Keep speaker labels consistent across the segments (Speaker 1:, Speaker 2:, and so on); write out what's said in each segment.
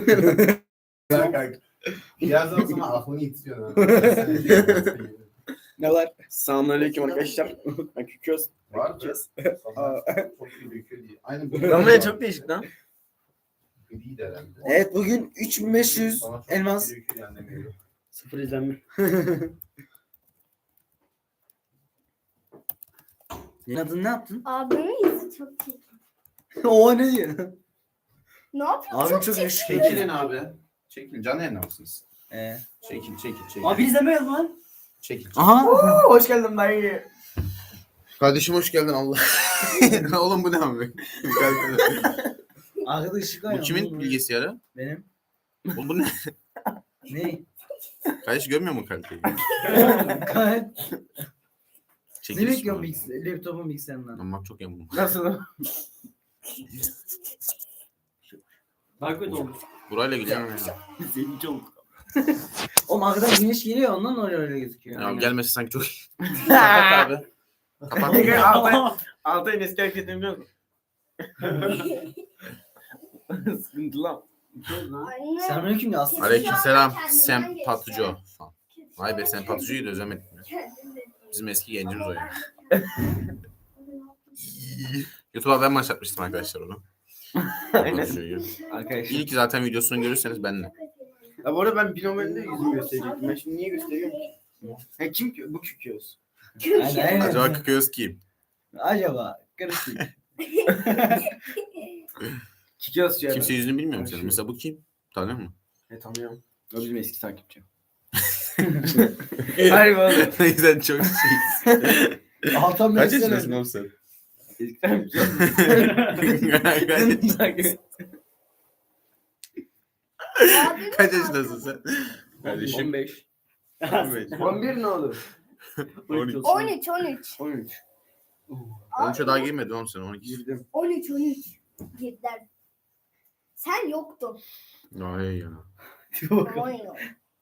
Speaker 1: Birazdan sonra aklını yitiriyor.
Speaker 2: Ne var? Selamünaleyküm arkadaşlar. Ben Küköz.
Speaker 1: Var mı? Çok iyi döküyor diye. Aynı bu.
Speaker 2: Damlaya çok değişik lan.
Speaker 1: Değil herhalde.
Speaker 3: Evet bugün 3500
Speaker 1: Sana çok
Speaker 3: elmas.
Speaker 1: iyi döküyor yani demiyorum.
Speaker 2: Sıfır izlenme.
Speaker 3: Adını ne yaptın?
Speaker 4: Abimin yüzü çok çirkin.
Speaker 3: O ne diyor?
Speaker 4: Ne yapıyor?
Speaker 3: Abim çok yaşlı.
Speaker 1: Çekilin abi. Çekilin. Canlı yayında mısınız? Çekil.
Speaker 2: Abi izlemeyiz lan.
Speaker 1: Çekil.
Speaker 3: Aha.
Speaker 2: Hoş geldin dayı.
Speaker 1: Kardeşim hoş geldin Allah. Oğlum bu ne abi?
Speaker 3: Arkada ışık var
Speaker 1: Bu
Speaker 3: ya,
Speaker 1: kimin
Speaker 3: oğlum.
Speaker 1: bilgisayarı?
Speaker 3: Benim.
Speaker 1: Oğlum bu ne?
Speaker 3: Ne?
Speaker 1: Kardeş görmüyor mu kaliteyi?
Speaker 3: Gayet.
Speaker 1: Çekil.
Speaker 3: Ne bekliyorum laptopun bilgisayarından?
Speaker 1: Ama çok emin.
Speaker 2: Nasıl? Daha kötü oldu.
Speaker 1: Burayla gidiyorum ya.
Speaker 2: Senin çok.
Speaker 3: Oğlum arkadan güneş geliyor ondan öyle gözüküyor.
Speaker 1: Ya gelmesi sanki çok iyi. Kapat abi. Kapat.
Speaker 2: Altay'ın eski hareketini biliyor musun? Sıkıntı lan.
Speaker 4: Anne.
Speaker 3: Selamünaleyküm ya aslında.
Speaker 1: Aleykümselam. Sempatuco. Vay be Sempatuco'yu da özlemedim ya. Bizim eski gencimiz o ya. YouTube'a ben başlatmıştım arkadaşlar onu. Sempatuco'yu.
Speaker 2: Arkadaşlar.
Speaker 1: İlk zaten videosunu görürseniz benle.
Speaker 2: Ya bu arada ben binomelinde yüzümü gösterecektim. Ben şimdi niye gösteriyorum? Ha kim ki? Bu Küköz.
Speaker 3: Aynen.
Speaker 1: Acaba Kıkıyoruz kim?
Speaker 3: Acaba karışık.
Speaker 2: Küköz ya.
Speaker 1: Kimse yüzünü bilmiyor mu senin? Mesela bu kim? Tanıyor musun?
Speaker 2: Tanıyorum. O bizim eski takipçim. Hayır oğlum.
Speaker 1: Ne güzel çok şey.
Speaker 3: Altan
Speaker 1: Kaç
Speaker 3: Bey
Speaker 1: yaşındasın oğlum sen?
Speaker 2: Eski takipçim.
Speaker 1: Kaç yaşındasın sen? Kardeşim.
Speaker 2: 15.
Speaker 1: 15.
Speaker 2: 11 ne olur?
Speaker 1: 12.
Speaker 4: 13.
Speaker 2: 13.
Speaker 1: 13'e daha girmedin oğlum sen 12.
Speaker 2: Girdim.
Speaker 4: 13. Girdiler. Sen yoktun.
Speaker 1: Ay ya.
Speaker 4: Aman yok.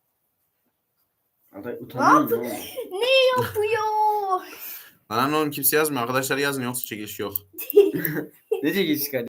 Speaker 2: Altay utanıyorum.
Speaker 4: Ne yapıyor?
Speaker 1: Lan oğlum kimse yazmıyor. Arkadaşlar yazın yoksa çekiliş yok.
Speaker 2: Ne çekilişi kardeşim?